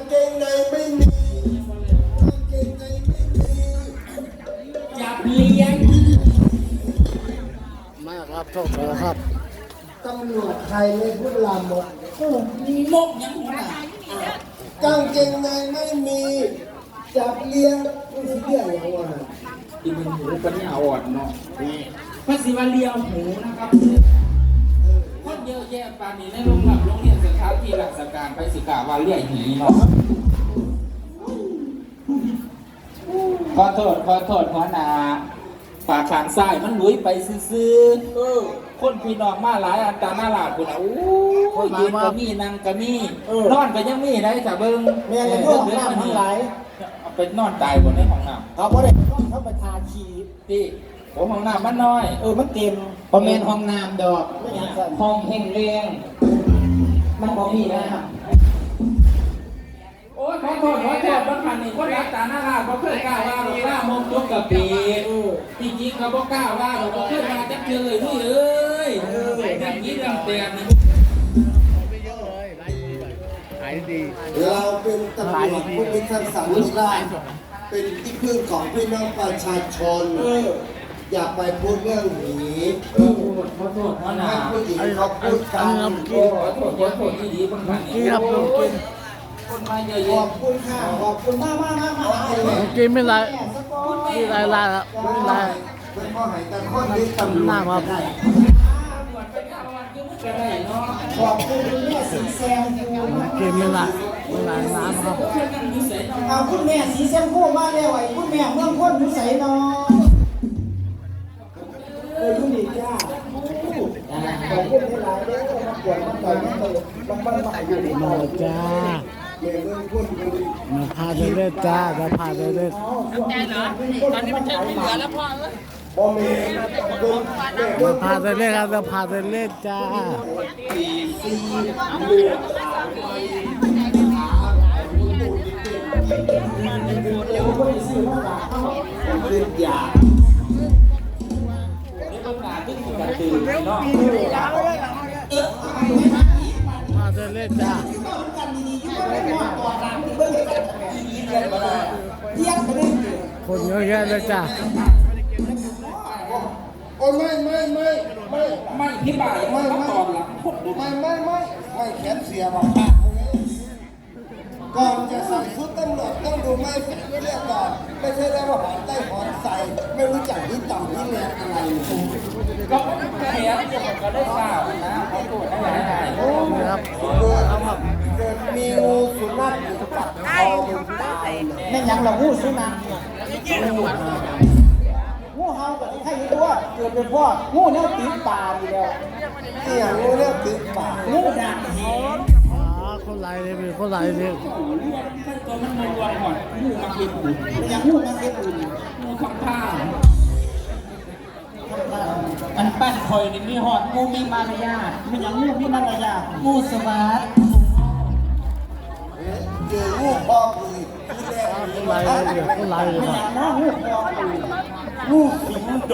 เกงในไม่มีกางเกงในไม่มีจับเลี้ยงมาครับโทษนะครับตำรวจไทยไม่พูดลามกมกยังหัวหน้ากางเกงในไม่มีจับเลี้ยงไม่ใช่เรื่องอย่างว่าที่มันหูปัญญาอ่อนเนาะพระศิวเลียวหูนะครับคนเยอะแยะปานนี้ในโรงเรียนสถานที่ราชการไปสิกาว่าเลี้ยหีเนาะขอโทษหัวหน้าปากขางซ้ายมันลุยไปซื่อๆคนพี่น้องมาหลายอันตาหน้าหลาดคนโอ้ยยืนก็มีนั่งก็มีนอนก็ยังมีได้จ้ะเบิ้งแม่ยังห้องน้ำทั้งหลายเอาไปนอนตายบนในห้องน้ำเขาบ่ได้เขาไปทาชีที่ผมห้องน้ำมันน้อยมันเต็มพอเมนห้องน้ำดอกห้องแห่งเรียงมันพอมีนะครับโอ้ยขอโทษบางคันนี่คนรักตาหน้าลาเขาเคยกล้าว่าหรอกล่ามงยกกะปีจริงๆเขาบอกกล้าว่าหรอกเขาเคยมาจักเจอเลยนี่เอ้ยอย่างนี้เรื่องเตียนนี่เราเป็นตำรวจผู้พิทักษ์สันติราษฎร์เป็นที่พึ่งของพี่น้องประชาชนอย่าไปพูดเรื่องนี้ขอโทษนะผู้หญิงเขาพูดกันขอโทษที่ดีบางคันนี่ครับลงกินคนมาเยอะขอบคุณค่ะขอบคุณมากลงกินไม่ไรไม่ไรละครับไม่ไรเป็นข้อหายแต่ข้อนี้ตำรวจหน้าครับขอบคุณแม่สีแซมกินไม่ไรน้ำครับเอาคุณแม่สีแซมพูดมาแล้วไอ้คุณแม่เมืองพ้นผู้ใส่นอนคุณดีจ้าขอบคุณหลายๆเลยมาปวดมาต่อยมาตลกมาอยู่ดีมาจ้ามาพาเดินจ้ามาพาเดินแน่เหรอตอนนี้มันจะไม่เหลือแล้วพ่อมาพาเดินครับมาพาเดินจ้ามาเดินจ้าคนเยอะแยะเลยจ้าโอ้ไม่ที่บ่ายไม่ตอนหลังไม่แขนเสียหรอกก่อนจะใส่ชุดตำรวจต้องดูไม่เรียกก่อนไม่ใช่ได้ว่าหอนใต้หอนใส่ไม่รู้จักที่ต่ำที่แรงอะไรก็เสียก็ได้ข่าวนะเขาตรวจได้หลายโอ้ครับเกิดมีงูสุนัขอยู่กับคอมันตายแม่ยังเรางูสุนัขงูเห่ากับที่ใครตัวเกิดเป็นพ่องูเนี่ยตีปลาอยู่แล้วเนี่ยงูเนี่ยตีปลางูด่างเหนคนไหลเลยเป็นคนไหลเลยตัวมันมารวมหมดงูมาเก็บอุ่นอย่างงูมาเก็บอุ่นงูข้างข้างมันปั้นคอยนี่มีหอดงูมีมารยาทมันอย่างงูมีมารยาทงูสวัสดิ์เจองูพ่อปืนคนไหลเลยคนไหลเลยมันอย่างงูพ่อปืนงูสิงโต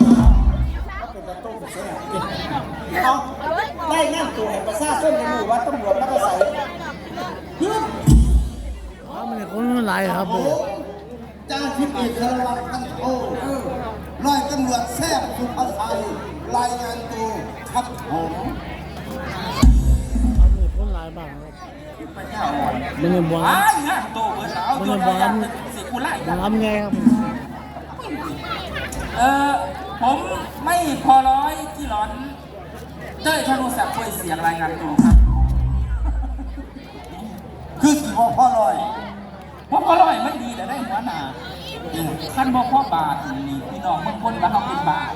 เอาได้งานตัวประชาชนในหมู่ว่าตำรวจนักใส่ยืนมันคนไหลครับจ้าทิพย์เอกลักษณ์กันโอ้ร้อยตำรวจแซ่บสุภาชัยรายงานตัวครับผมคนไหลบ้างมันยังบ้ามันยังบ้ามันล้ำไงครับผมไม่พอร้อยที่ร้อนเต้ยธนูศักดิ์คุยเสียงรายงานตัวครับคือสิพ่อลอยมันดีแต่ได้หัวหน้าขั้นบอกพ่อบาทนี่พี่น้องบางคนมาเขาเป็นบาท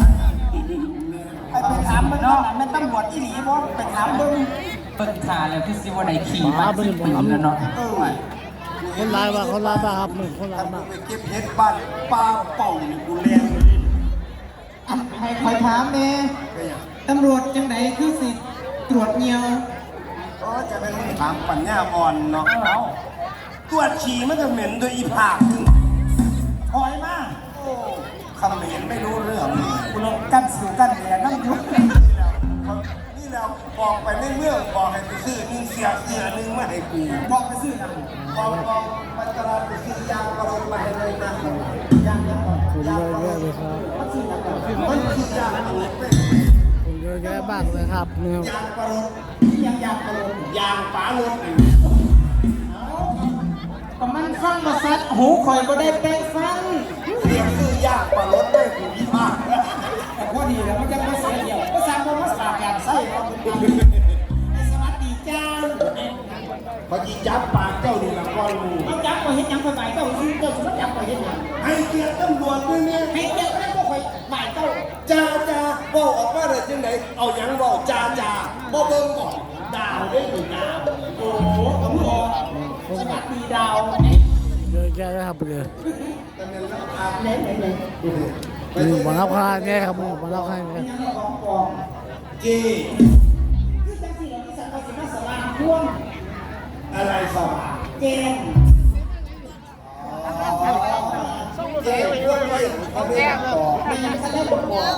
ไปถามมันเนาะมันตำรวจที่หนีบ่ไปถามเบิ้งขาแล้วคือสิว่าไหนขี่มาเป็นปีแล้วเนาะคนร้ายบ้างคนร้ายบ้างครับหนึ่งคนร้ายบ้างไปเก็บเห็ดบ้านปลาเป่ากูเลี้ยงให้คอยถามเนี่ยตำรวจจังไหนคือสิตรวจเงียวก็จะเป็นถามปัญญาอ่อนเนาะตรวจฉี่มันจะเหม็นโดยอีผากหอยมากคำเหม็นไม่รู้เรื่องคุณกั้นสิวกั้นแหนนั่งยุบนี่แล้วบอกไปในเมืองบอกให้ไปซื้อ1เสียนึงมาให้กูบอกไปซื้อนะบอกไปตลาดไปซื้อยางกระโดดไปเลยนะยางคนเยอะแยะเลยครับมันคือยางกระโดดคนเยอะแยะมากเลยครับเนี่ยยางกระโดดยางกระโดดยางฝาโลดประมาณฟังมาซัดหูข่อยก็ได้แปลงฟังเรียกซื้อยางกระโดดได้กูดีมากแต่พอดีแล้วมันยังไม่เสียเดียวก็สร้างความมาสาการไส้เราเป็นดีสวัสดีจ้าพอจีจับปากเจ้าดีละก้อนมูเขาจับมาเห็นยังไปไหวเจ้าซื้อเจ้าสมมติจับมาเห็นยังให้เกียรติตำรวจด้วยเนี่ยให้เจ้าก็ได้พวกข่อยไหวเจ้าจ้าบอกออกมาเลยจังไหนเอาหยังบอกจ้าบ่เบิ่งบอกดาวได้หรือดาวโอ้โหตำรวจสวัสดีดาวเยอะแยะเลยครับเนี่ยแต่เป็นแล้วอาบเน้นเลยมีหมารับค่าเนี่ยครับมีหมารับค่าเนี่ยยังกองกองเจคือจังสี่เราที่สังกัดสิมาสลามพ่วงอะไรสว่างเจนเจพวกนี้เขาไม่ได้ต่อไม่ยังแสดงบอกว่า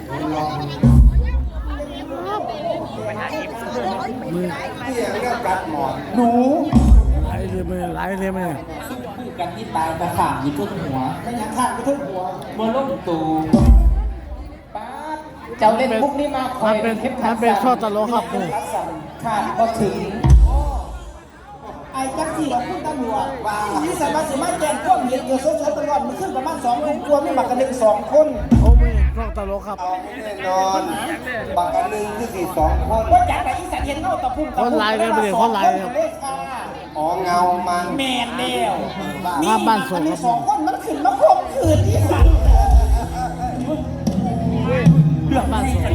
มีที่ยังเรื่องกัดหมอนหนูหลายเลยมั้ยหลายเลยมั้ยซุ่มคู่กันที่ตายตะขาบอยู่ทุกหัวไม่ยังข้างไปทุกหัวบนโลกตูป้าเจ้าเล่นพวกนี้มาคอยมันเป็นข้อตลกครับเนี่ยขาดก็ถึงไอ้จักสี่เราพูดตำรวจว่าที่สามารถมาแจ้งข้อมูลเกี่ยวกับโซเชียลตลอดมันขึ้นประมาณ2 คนกลัวไม่มากัน1 2 คนเขาไม่ข้อตลกครับเอาแน่นอนบางอันหนึ่งคือสี่2 คนว่าจากไหนอีสานเห็นเงาตะพุ่งคนลายกันไปเลยคนลายครับอ๋อเงามันแมนแล้วมาบ้านส่งครับ 2 คนมันขึ้นมาครบคืนที่สันเรื่องบ้านส่ง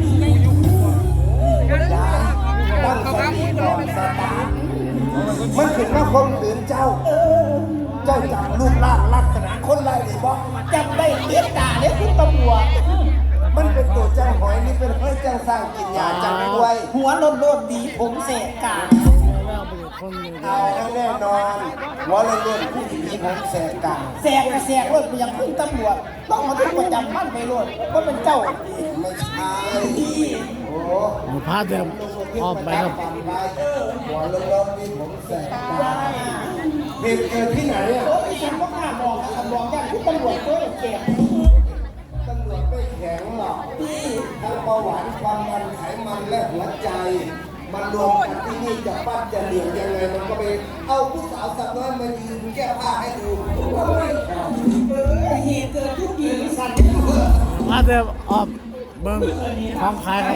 ตั้งสติก่อนสตาร์ทมันขึ้นมาคมขืนเจ้า เจ้าจำรูปร่างลักษณะคนไรหรือบ่จำได้เลี้ยด่าเนี่ยคุณตำรวจมันเป็นตัวเจ้าหอยนี่เป็นเพื่อเจ้าสร้างกินยาจำไว้ด้วยหัวโลนๆดีผมเสกกาแล้วไปคนเลยเอาให้แน่นอนหัวเรื่องผู้หญิงผมแสกกลางแสกแสกรถไปยังคุณตำรวจต้องมาทุกประจำมั่นไปรถว่าเป็นเจ้าไม่ใช่ดีโอ้หมูพาเดิมออกไปครับหัวเรื่องมีผมแสกกลางเหตุเกิดที่ไหนอ่ะโอ้ยฉันก็กล้ามองนะคำมองย่านคุณตำรวจก็เจ็บตำรวจไม่แข็งหรอกทั้งเบาหวานความดันไขมันและหัวใจ มันรวมกันที่นี่จะปั้นจะเหลี่ยมยังไงมันก็ไปเอาผู้สาวสับน้อยมายืนแก้ผ้าให้ดูว่าไม่แข็งเหตุเกิดทุกปีสันพาเดิมออกเบิ้งของขายครับ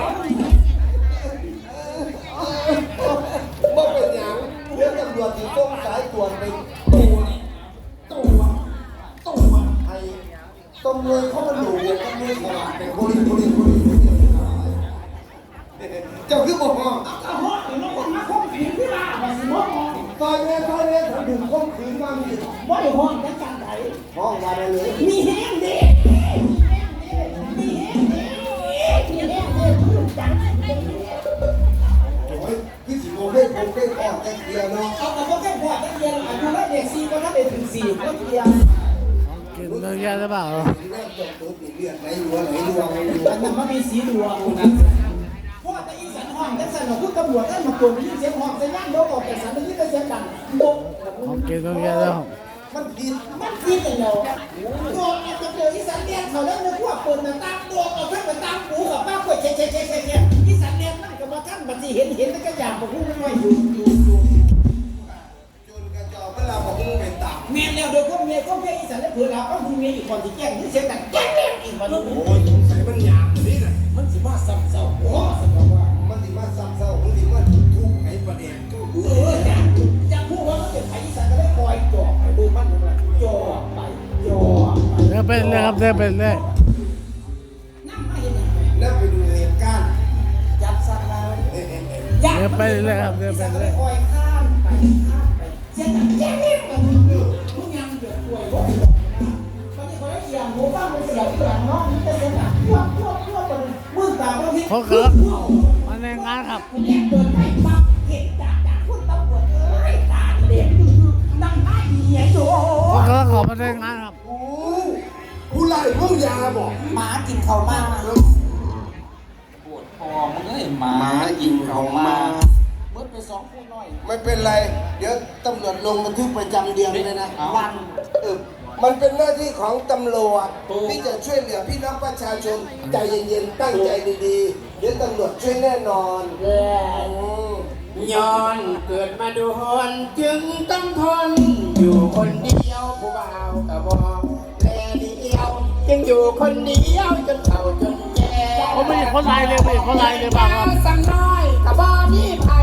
บ่เป็นหยังเรื่องตำรวจที่ต้องสายตรวจไปตัวไอ้ตำรวจเขามาดูตำรวจสลาดเป็นคนเจ้าคือบอกว่าเอาหัวถึงคนมาข่มขืนที่บ้านมาสิบ่ซอยแม่เขาดึงข้มขืนมามีบ่ได้ห้องจังจังไดห้องวันเลยมีแห้งเด็กมีแห้งเด็กมีแห้งเด็กพูดจังโอ้ยพี่สิโมเล่นผมเล่นอ่อนแต่เดียวเนาะเอาเอาแค่พอจังเรียนอายุแล้วเด็ก4ก็ถ้าได้ถึง4ก็เรียนกินเยอะแยะหรือเปล่าเริ่มจบตัวปีเลือดไหลรัวอันนั้นมันมีสีดวงนะเพราะว่าแต่อีสันห้องจังสันของคุณตำรวจได้มาตรวจมีเสียงห้องสัญญาณโดนออกจากสันมันยิ่งเสียงดังโดนของกินเยอะแยะแล้วมันผิดมันคิดอย่างเดียวโดนอาจจะเจออีสันเรียนเขาแล้วนึกว่าเปิดหน้าต่างโดนเอาขึ้นมาตามหูกับป้าเปิดเช็ดอีสันเรียนมันก็มาท่านบัดนี้เห็นแล้วก็อยากบอกพูดไม่อยู่จนกระจอกเวลาบอกมึงเป็นตับเมียแล้วโดยก็เมียอีสันแล้วเผื่อเราก็มีเมียอีกคนที่แจ้งที่เสียงดังแจ้งอีกมาดูโอ้ยสงสัยมันหยาบนี่แหละมันสิว่าซ้ำเศร้าโอ้สมองว่ามันสิมาซ้ำเศร้ามันสิมาทุกข์ให้ประเด็นก็ดูอยากพูดว่ามันเป็นไผ่อีสันก็ได้คอยจ่อไปดูมันเลยจ่อไปจ่อไปเดินไปเลยครับเดินไปเลยนั่งมาเห็นยังไงแล้วไปดูเหตุการณ์จับสัตว์เราเดินไปเลยครับเดินไปเลยคอยข้ามไปเสียงดังแจ้งเนี่ยมันทุกอย่างเดือดป่วยว่าตอนนี้เขาได้เสียงหัวบ้านมันเสียงอย่างน้องนี่จะเสียงดังพวกคนมือตาบางทีเขาเกิดมาในงานครับคุณแยกเดินไปปั๊บเห็นจากคุณตำรวจเอ้ยตาเด็กนั่งได้เหี้ยอยู่เขาเกิดขอมาในงานครับโอ้ผู้ไล่พวกยาบอกหมากินเขามากปวดคอมึงเอ้ยหมากินของมาเมื่อไปสองคู่น้อยไม่เป็นไร เดี๋ยวตำรวจลงบันทึกประจำเดือนเลยนะวันมันเป็นหน้าที่ของตำรวจที่จะช่วยเหลือพี่น้องประชาชนใจเย็นๆตั้งใจดีๆเดี๋ยวตำรวจช่วยแน่นอนย้อนเกิดมาดูหนจึงต้องทนอยู่คนเดียวผู้บ่าวกะบอกแลเดียวจึงอยู่คนเดียวจนเฒ่าจนแก่เขาไม่เห็นคนไลน์เลยไม่เห็นคนไลน์เลยบ้างครับสักน้อยกะบ่มีไผ